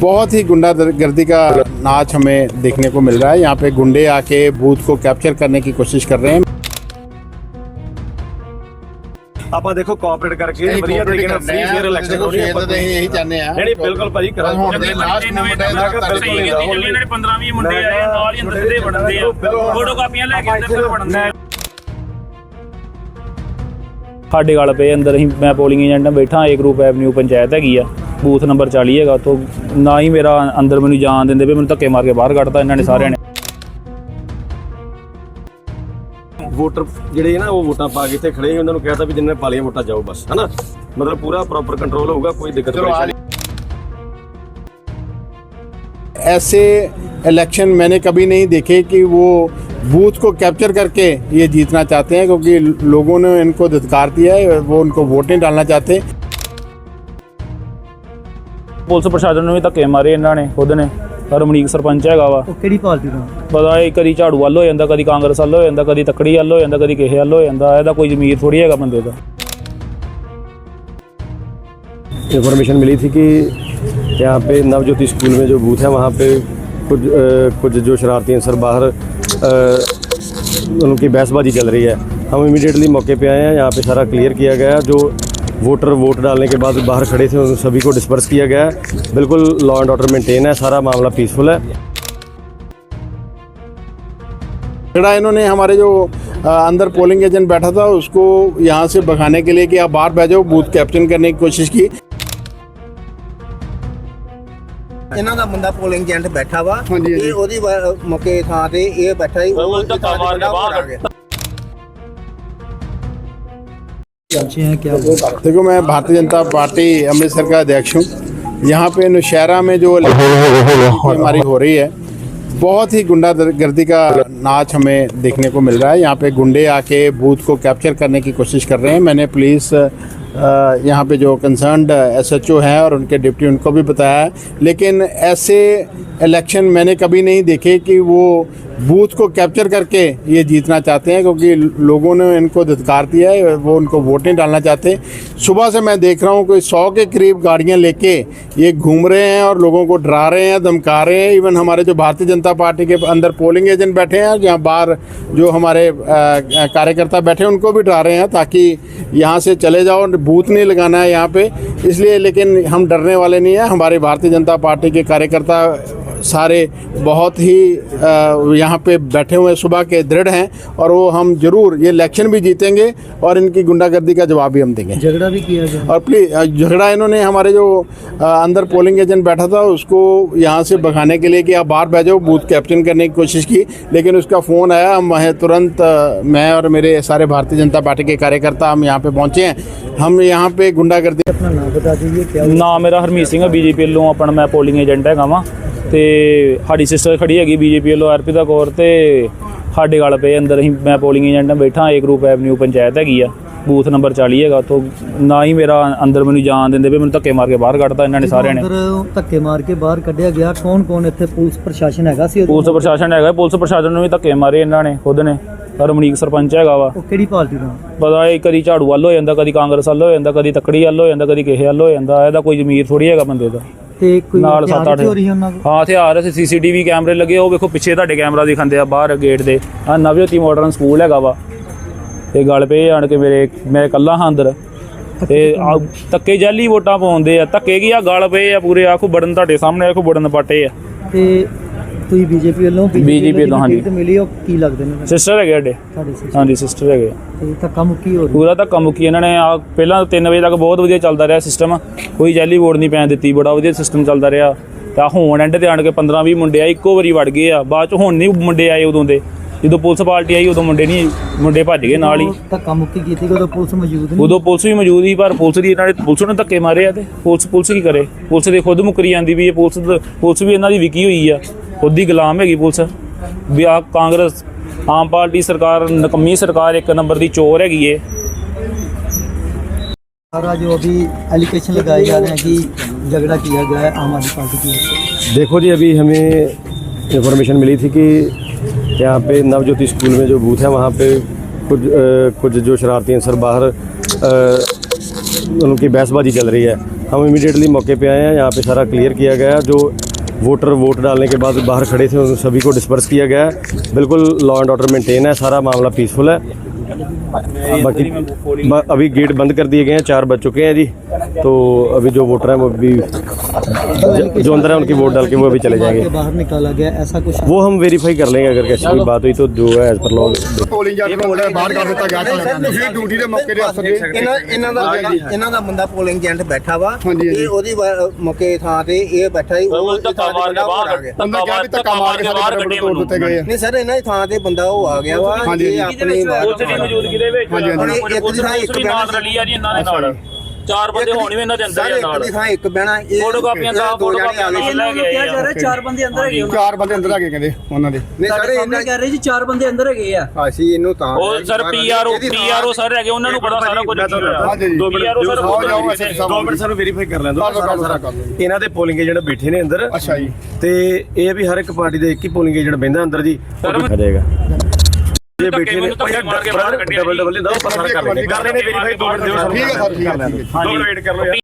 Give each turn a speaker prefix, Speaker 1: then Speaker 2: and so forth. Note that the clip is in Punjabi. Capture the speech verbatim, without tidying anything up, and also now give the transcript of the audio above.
Speaker 1: बहुत ही गुंडागर्दी का नाच हमें देखने को मिल रहा है। यहाँ पे गुंडे आके बूथ को कैप्चर करने की कोशिश कर रहे हैं।
Speaker 2: ਆਪਾਂ ਦੇਖੋ ਕੋਆਪਰੇਟ ਕਰਕੇ ਵਧੀਆ ਤਰੀਕੇ ਨਾਲ ਫ੍ਰੀ ਫੇਅਰ ਇਲੈਕਸ਼ਨ ਹੋ ਰਹੀ ਹੈ।
Speaker 1: ਤਾਂ ਇਹੀ ਚਾਹੁੰਦੇ ਆ
Speaker 2: ਨਹੀਂ ਬਿਲਕੁਲ ਭਾਜੀ ਕਰਾਂਗੇ।
Speaker 1: ਹੁਣ ਦੇ ਲਾਸਟ ਮੂਮੈਂਟ ਹੈ
Speaker 3: ਇਹਨਾਂ ਨੇ ਪੰਦਰਾਂ ਵੀਹ ਮੁੰਡੇ ਆਏ ਨਾਲ ਹੀ ਅੰਦਰ ਸਿੱਧੇ ਵੜਦੇ ਆ, ਫੋਟੋ ਕਾਪੀਆਂ ਲੈ ਕੇ ਅੰਦਰ ਵੜਦੇ ਆ। ਸਾਡੇ ਗੱਲ ਪਏ ਅੰਦਰ ਅਸੀਂ ਮੈਂ ਪੋਲਿੰਗ ਏਜੰਟ ਬੈਠਾ ਏ ਗਰੁੱਪ ਐਵਨਿਊ ਪੰਚਾਇਤ ਹੈਗੀ ਆ, ਬੂਥ ਨੰਬਰ ਚਾਲੀ ਹੈਗਾ। ਉੱਥੋਂ ਨਾ ਹੀ ਮੇਰਾ ਅੰਦਰ ਮੈਨੂੰ ਜਾਣ ਦਿੰਦੇ ਵੀ, ਮੈਨੂੰ ਧੱਕੇ ਮਾਰ ਕੇ ਬਾਹਰ ਕੱਢਤਾ ਇਹਨਾਂ ਨੇ ਸਾਰਿਆਂ ਨੇ।
Speaker 2: ਵੋਟਰ ਜਿਹੜੇ ਨਾ ਉਹ ਵੋਟਾਂ ਪਾ ਕੇ ਇੱਥੇ ਖੜੇ ਉਹਨਾਂ ਨੂੰ ਕਹਿਤਾ ਵੀ ਜਿੰਨੇ ਪਾਲੀਆਂ ਵੋਟਾਂ ਜਾਓ ਬਸ, ਹੈ ਨਾ। मतलब पूरा प्रॉपर कंट्रोल होगा, कोई दिक्कत परेशानी।
Speaker 1: ऐसे इलेक्शन मैंने कभी नहीं देखे कि वो बूथ को कैप्चर करके ये जीतना चाहते हैं, क्योंकि लोगों ने इनको धिक्कार दिया है, वो उनको वोट नहीं डालना चाहते।
Speaker 3: पुलिस प्रशासन ने भी धक्के मारे इन्हों ने खुद ने। ਰਮਨੀਕ ਸਰਪੰਚ ਹੈਗਾ ਵਾ,
Speaker 4: ਉਹ ਕਿਹੜੀ ਪਾਰਟੀ ਦਾ
Speaker 3: ਪਤਾ ਇਹ ਕਦੀ ਝਾੜੂ ਵੱਲ ਹੋ ਜਾਂਦਾ, ਕਦੀ ਕਾਂਗਰਸ ਵੱਲ ਹੋ ਜਾਂਦਾ, ਕਦੀ ਤੱਕੜੀ ਵੱਲ ਹੋ ਜਾਂਦਾ, ਕਦੀ ਕਿਸੇ ਵੱਲ ਹੋ ਜਾਂਦਾ। ਇਹਦਾ ਕੋਈ ਜ਼ਮੀਰ ਥੋੜੀ ਹੈਗਾ ਬੰਦੇ ਦਾ।
Speaker 2: इन्फॉर्मेशन मिली थी कि यहाँ पे नवज्योति स्कूल में जो बूथ है वहाँ पे कुछ आ, कुछ जो शरारती अंसर बाहर आ, उनकी बहसबाजी चल रही है। हम इमीडिएटली मौके पे आए हैं, यहाँ पे सारा क्लियर किया गया। जो वोटर वोट डालने के बाद बाहर खड़े थे उन सभी को डिस्पर्स किया गया है। बिल्कुल लॉ एंड ऑर्डर मेंटेन है, सारा मामला पीसफुल है।
Speaker 1: झगड़ा इन्होंने हमारे जो अंदर पोलिंग एजेंट बैठा था उसको यहाँ से भगाने के लिए कि आप बाहर बैठ जाओ, बूथ कैप्चर करने की कोशिश की।
Speaker 4: ਇਹਨਾਂ ਦਾ ਬੰਦਾ ਪੋਲਿੰਗ ਏਜੰਟ ਬੈਠਾ ਵਾ, ਇਹ ਉਹਦੀ ਮੌਕੇ ਥਾਂ ਤੇ ਇਹ ਬੈਠਾ ਹੀ ਉਹ ਧੱਕਾ ਮਾਰ ਕੇ ਬਾਹਰ ਆ ਗਿਆ।
Speaker 1: देखो, मैं भारतीय जनता पार्टी अमृतसर का अध्यक्ष हूँ। यहाँ पे नौशहरा में जो हमारी हो रही है, बहुत ही गुंडागर्दी का नाच हमें देखने को मिल रहा है। यहाँ पे गुंडे आके बूथ को कैप्चर करने की कोशिश कर रहे हैं। मैंने पुलिस यहाँ पे जो कंसर्न्ड एसएचओ हैं और उनके डिप्टी उनको भी बताया है, लेकिन ऐसे इलेक्शन मैंने कभी नहीं देखे कि वो बूथ को कैप्चर करके ये जीतना चाहते हैं, क्योंकि लोगों ने इनको धिक्कार दिया है, वो उनको वोट नहीं डालना चाहते। सुबह से मैं देख रहा हूँ कोई सौ के करीब गाड़ियाँ लेके ये घूम रहे हैं और लोगों को डरा रहे हैं, धमका रहे हैं। इवन हमारे जो भारतीय जनता पार्टी के अंदर पोलिंग एजेंट बैठे हैं, जहाँ बाहर जो हमारे कार्यकर्ता बैठे हैं उनको भी डरा रहे हैं ताकि यहाँ से चले जाओ, बूथ नहीं लगाना है यहाँ पे। इसलिए लेकिन हम डरने वाले नहीं हैं। हमारे भारतीय जनता पार्टी के कार्यकर्ता सारे बहुत ही यहाँ पे बैठे हुए सुबह के दृढ़ हैं, और वो हम जरूर ये इलेक्शन भी जीतेंगे और इनकी गुंडागर्दी का जवाब भी हम देंगे।
Speaker 4: झगड़ा भी किया गया
Speaker 1: और प्लीज झगड़ा इन्होंने हमारे जो अंदर पोलिंग एजेंट बैठा था उसको यहाँ से भगाने के लिए कि आप बाहर बैठ जाओ, बूथ कैप्चर करने की कोशिश की, लेकिन उसका फ़ोन आया। हम वह तुरंत मैं और मेरे सारे भारतीय जनता पार्टी के कार्यकर्ता हम यहाँ पे पहुँचे हैं। हम यहाँ पे गुंडागर्दी।
Speaker 4: अपना नाम बता दीजिए क्या
Speaker 3: नाम मेरा हरमीत सिंह है, बीजेपी ਵੱਲੋਂ ਆਪਣਾ ਮੈਂ ਪੋਲਿੰਗ ਏਜੰਟ ਹੈਗਾ ਵਾਂ। ਤੇ ਸਾਡੀ ਸਿਸਟਰ ਖੜੀ ਹੈਗੀ ਬੀਜੇਪੀ ਵੱਲੋਂ ਅਰਪਿਤਾ ਕੌਰ, ਤੇ ਸਾਡੇ ਗੱਲ ਪਏ ਅੰਦਰ ਅਸੀਂ ਮੈਂ ਪੋਲਿੰਗ ਏਜੰਟ ਬੈਠਾ ਏ ਗਰੁੱਪ ਐਵਨਿਊ ਪੰਚਾਇਤ ਹੈਗੀ ਆ, ਬੂਥ ਨੰਬਰ ਚਾਲੀ ਹੈਗਾ। ਉੱਥੋਂ ਨਾ ਹੀ ਮੇਰਾ ਅੰਦਰ ਮੈਨੂੰ ਜਾਣ ਦਿੰਦੇ ਵੀ, ਮੈਨੂੰ ਧੱਕੇ ਮਾਰ ਕੇ ਬਾਹਰ ਕੱਢਤਾ ਇਹਨਾਂ ਨੇ ਸਾਰਿਆਂ ਨੇ।
Speaker 4: ਧੱਕੇ ਮਾਰ ਕੇ ਬਾਹਰ ਕੱਢਿਆ ਗਿਆ। ਕੌਣ ਕੌਣ ਇੱਥੇ ਪੁਲਿਸ ਪ੍ਰਸ਼ਾਸਨ ਹੈਗਾ ਸੀ?
Speaker 3: ਪੁਲਿਸ ਪ੍ਰਸ਼ਾਸਨ ਹੈਗਾ, ਪੁਲਿਸ ਪ੍ਰਸ਼ਾਸਨ ਨੂੰ ਵੀ ਧੱਕੇ ਮਾਰੇ ਇਹਨਾਂ ਨੇ ਖੁਦ ਨੇ। ਰਮਨੀਕ ਸਰਪੰਚ ਹੈਗਾ ਵਾ,
Speaker 4: ਉਹ ਕਿਹੜੀ ਪਾਰਟੀ ਦਾ
Speaker 3: ਪਤਾ ਇਹ ਕਦੀ ਝਾੜੂ ਵੱਲ ਹੋ ਜਾਂਦਾ, ਕਦੀ ਕਾਂਗਰਸ ਵੱਲ ਹੋ ਜਾਂਦਾ, ਕਦੀ ਤੱਕੜੀ ਵੱਲ ਹੋ ਜਾਂਦਾ, ਕਦੀ ਕਿਸੇ ਵੱਲ ਹੋ ਜਾਂਦਾ। ਇਹਦਾ ਕੋਈ ਜ਼ਮੀਰ ਥੋੜੀ ਹੈਗਾ ਬੰਦੇ ਦਾ।
Speaker 4: ਤੇ ਕੋਈ
Speaker 3: ਨਾਲ ਸੱਤ ਅੱਠ ਹਾਂ ਹਥਿਆਰ ਸੀਸੀਟੀਵੀ ਕੈਮਰੇ ਲੱਗੇ। ਉਹ ਵੇਖੋ ਪਿੱਛੇ ਤੁਹਾਡੇ ਕੈਮਰਾ ਦਿਖਾਉਂਦੇ ਆ ਬਾਹਰ ਗੇਟ ਦੇ। ਆ ਨਵਜੋਤੀ ਮਾਡਰਨ ਸਕੂਲ ਹੈਗਾ ਵਾ, ਤੇ ਗੱਲ ਪਏ ਆਣ ਕੇ ਮੇਰੇ ਮੈਂ ਇਕੱਲਾ ਹਾਂ ਅੰਦਰ, ਤੇ ਧੱਕੇ ਜਾਲੀ ਵੋਟਾਂ ਪਾਉਂਦੇ ਆ। ਧੱਕੇ ਕੀ ਆ, ਗਲ ਪਏ ਆ ਪੂਰੇ। ਆਖੋ ਬੜਨ ਤੁਹਾਡੇ ਸਾਹਮਣੇ, ਆਖੋ ਬੜਨ ਪਾਟੇ ਆ।
Speaker 4: ਤੇ ਤੁਸੀਂ ਬੀਜੇਪੀ ਵੱਲੋਂ
Speaker 3: ਬੀਜੇਪੀ ਵੱਲੋਂ ਹਾਂਜੀ
Speaker 4: ਮਿਲੀ, ਉਹ ਕੀ ਲੱਗਦੇ ਨੇ?
Speaker 3: ਸਿਸਟਰ ਹੈਗੇ ਸਾਡੇ, ਹਾਂਜੀ ਸਿਸਟਰ ਹੈਗੇ।
Speaker 4: ਤੇ ਧੱਕਾ ਮੁੱਕੀ ਹੋ ਰਹੀ
Speaker 3: ਪੂਰਾ ਧੱਕਾ ਮੁੱਕੀ ਇਹਨਾਂ ਨੇ। ਆ ਪਹਿਲਾਂ ਤਿੰਨ ਵਜੇ ਤੱਕ ਬਹੁਤ ਵਧੀਆ ਚੱਲਦਾ ਰਿਹਾ ਸਿਸਟਮ, ਕੋਈ ਜਾਲੀ ਵੋਟ ਨਹੀਂ ਪੈਣ ਦਿੱਤੀ, ਬੜਾ ਵਧੀਆ ਸਿਸਟਮ ਚੱਲਦਾ ਰਿਹਾ। ਤਾਂ ਹੁਣ ਐਂਡ ਤੇ ਆਣ ਕੇ ਪੰਦਰਾਂ ਵੀਹ ਮੁੰਡੇ ਆ ਇੱਕੋ ਵਾਰੀ ਵੜ ਗਏ ਆ। ਬਾਅਦ ਚ ਹੁਣ ਨਹੀਂ ਮੁੰਡੇ ਆਏ, ਉਦੋਂ ਦੇ ਜਦੋਂ ਪੁਲਿਸ ਪਾਰਟੀ ਆਈ ਉਦੋਂ ਮੁੰਡੇ ਨਹੀਂ, ਮੁੰਡੇ ਭੱਜ ਗਏ ਨਾਲ ਹੀ।
Speaker 4: ਧੱਕਾ ਮੁੱਕੀ ਕੀਤੀ ਉਦੋਂ ਪੁਲਿਸ ਮੌਜੂਦ ਨਹੀਂ?
Speaker 3: ਉਦੋਂ ਪੁਲਿਸ ਵੀ ਮੌਜੂਦ ਸੀ, ਪਰ ਪੁਲਿਸ ਦੀ ਇਹਨਾਂ ਨੇ ਪੁਲਿਸ ਨੇ ਧੱਕੇ ਮਾਰੇ ਆ। ਤੇ ਪੁਲਿਸ ਪੁਲਿਸ ਕੀ ਕਰੇ? ਪੁਲਿਸ ਦੇ ਖੁਦ ਮੁੱਕਰੀ ਜਾਂਦੀ ਵੀ ਇਹ ਪੁਲਿਸ ਪੁਲਿਸ ਵੀ ਇਹਨਾਂ ਦੀ ਵਿਕੀ ਹੋਈ ਆ, ਖੁਦ ਦੀ ਗੁਲਾਮ ਹੈਗੀ ਪੁਲਿਸ ਵੀ। ਆ ਕਾਂਗਰਸ ਆਮ ਪਾਰਟੀ सरकार नकम्मी सरकार, एक नंबर की चोर हैगी है।
Speaker 4: सारा जो अभी एलिगेशन लगाए जा रहे हैं कि झगड़ा किया गया है आम आदमी पार्टी की ओर से।
Speaker 2: देखो जी, अभी हमें इन्फॉर्मेशन मिली थी कि यहाँ पे नवज्योति स्कूल में जो बूथ है वहाँ पे कुछ आ, कुछ जो शरारती अंसर बाहर आ, उनकी बहसबाजी चल रही है। हम इमीडिएटली मौके पे आए हैं, यहाँ पे सारा क्लियर किया गया। जो वोटर वोट डालने के बाद बाहर खड़े थे उन सभी को डिस्पर्स किया गया है। बिल्कुल लॉ एंड ऑर्डर मेंटेन है, सारा मामला पीसफुल है। बाकी ब- अभी गेट बंद कर दिए गए हैं, चार बज चुके हैं जी। तो अभी जो वोटर हैं वो भी जो अंदर है उनकी वोट डाल के वो अभी चले जाएंगे।
Speaker 5: बाहर निकाला गया ऐसा कुछ
Speaker 2: वो हम वेरीफाई कर लेंगे, अगर कैसी कोई बात हुई तो जो है as per law.
Speaker 1: Polling agent ਨੂੰ ਬਾਹਰ ਕਰ ਦਿੱਤਾ ਗਿਆ ਤੁਸੀਂ ਡਿਊਟੀ ਦੇ ਮੌਕੇ ਤੇ ਅਫਸਰ
Speaker 4: ਇਹਨਾਂ ਇਹਨਾਂ ਦਾ ਇਹਨਾਂ ਦਾ ਬੰਦਾ ਪੋਲਿੰਗ ਏਜੰਟ ਬੈਠਾ ਵਾ
Speaker 1: ਹਾਂਜੀ, ਹਾਂਜੀ।
Speaker 4: ਇਹ ਉਹਦੀ ਵਾ- ਮੌਕੇ ਥਾਂ ਤੇ ਇਹ ਬੈਠਾ ਹੀ ਉਹ
Speaker 3: ਧੱਕਾ ਮਾਰ ਕੇ ਬਾਹਰ
Speaker 4: ਆ ਗਿਆ।
Speaker 1: ਅੰਦਰ ਕਿਹਾ ਵੀ ਧੱਕਾ ਮਾਰ ਕੇ ਸਾਡੇ ਬੜੇ ਤੋੜ ਦਿੱਤੇ ਗਏ ਆ।
Speaker 4: ਨਹੀਂ ਸਰ ਇਹਨਾਂ ਦੀ ਥਾਂ ਤੇ ਬੰਦਾ ਉਹ ਆ ਗਿਆ ਵਾ
Speaker 1: ਹਾਂਜੀ,
Speaker 4: ਇਹ
Speaker 1: ਹਾਂਜੀ।
Speaker 4: ਆਪਣੀ
Speaker 3: ਪੁਲਿਸ ਦੀ ਮੌਜੂਦਗੀ ਦੇ ਵਿੱਚ
Speaker 1: ਹਾਂਜੀ, ਹਾਂਜੀ।
Speaker 3: ਹੁਣ ਪੁਲਿਸ ਦੀ ਇੱਕ ਨਾਲ ਰਲੀ ਆ ਜੀ ਇਹਨਾਂ ਦੇ ਨਾਲ ਚਾਰ ਬੰਦੇ ਹੋਣੇ ਵੀ ਇਹਨਾਂ ਦੇ ਅੰਦਰ
Speaker 4: ਸਾਰੇ
Speaker 3: ਹੀ
Speaker 4: ਇੱਕ
Speaker 3: ਨਾਲ
Speaker 4: ਦੀ ਥਾਂ ਇੱਕ ਬਹਿਣਾ ਇਹ
Speaker 3: ਫੋਟੋ ਕਾਪੀਆਂ ਦਾ
Speaker 4: ਦੋ
Speaker 3: ਫੋਟੋ
Speaker 4: ਜਾਣੇ ਆ
Speaker 3: ਕਾਪੀਆਂ
Speaker 4: ਗਏ।
Speaker 3: ਲੈ ਕੇ
Speaker 5: ਕਿਹਾ ਜਾ ਰਿਹਾ ਚਾਰ ਬੰਦੇ ਅੰਦਰ ਹੈਗੇ ਉਹਨਾਂ
Speaker 1: ਚਾਰ ਬੰਦੇ ਅੰਦਰ ਆ ਗਏ ਕਹਿੰਦੇ ਉਹਨਾਂ ਦੇ
Speaker 4: ਨਹੀਂ ਸਰ
Speaker 5: ਸਾਡੇ
Speaker 4: ਇਹਨਾਂ
Speaker 5: ਸਾਹਮਣੇ ਕਹਿ ਰਹੇ ਜੀ ਚਾਰ ਬੰਦੇ ਅੰਦਰ ਹੈਗੇ ਆ।
Speaker 4: ਅਸੀਂ ਇਹਨੂੰ ਤਾਂ
Speaker 3: ਉਹ ਸਰ ਪੀਆਰਓ ਪੀਆਰਓ ਸਰ ਹੈਗੇ ਉਹਨਾਂ ਨੂੰ ਪਤਾ ਸਾਰਾ ਕੁਝ
Speaker 1: ਹਾਂਜੀ ਜੀ।
Speaker 2: ਦੋ ਮਿੰਟ
Speaker 3: ਪੀਆਰਓ ਸਰ
Speaker 1: ਆਓ ਜਾਓ ਐਸਐਸਪੀ ਸਾਹਿਬ।
Speaker 2: ਦੋ ਮਿੰਟ ਸਾਨੂੰ ਵੈਰੀਫਾਈ ਕਰ ਲੈਣ ਦਿਓ।
Speaker 1: ਕਰ ਲਓ, ਕਰ ਲਓ, ਸਾਰਾ ਕਰ ਲਓ।
Speaker 2: ਇਹਨਾਂ ਦੇ ਪੋਲਿੰਗ ਏਜੰਟ ਬੈਠੇ ਨੇ ਅੰਦਰ।
Speaker 1: ਅੱਛਾ ਜੀ।
Speaker 2: ਤੇ ਇਹ ਵੀ ਹਰ ਇੱਕ ਪਾਰਟੀ ਦੇ ਇੱਕ ਹੀ ਪੋਲਿੰਗ ਏਜੰਟ ਬੈਠਾ ਅੰਦਰ ਜੀ, ਉਹ ਦਿਖਾ ਜਾਏਗਾ। ਇਹ ਬੈਠੇ ਨੇ ਡਬਲ ਡਬਲ ਦਾ ਪਤਾ ਕਰ ਲੈਂਗੇ। ਕਰ ਰਹੇ ਨੇ ਵੈਰੀਫਾਈ। ਦੋ ਮਿੰਟ ਦਿਓ ਸਾਨੂੰ।
Speaker 1: ਠੀਕ ਹੈ ਸਰ, ਠੀਕ ਹੈ, ਠੀਕ ਹੈ।
Speaker 2: ਦੋ ਮਿੰਟ ਵੇਟ ਕਰ ਲਓ ਯਾਰ।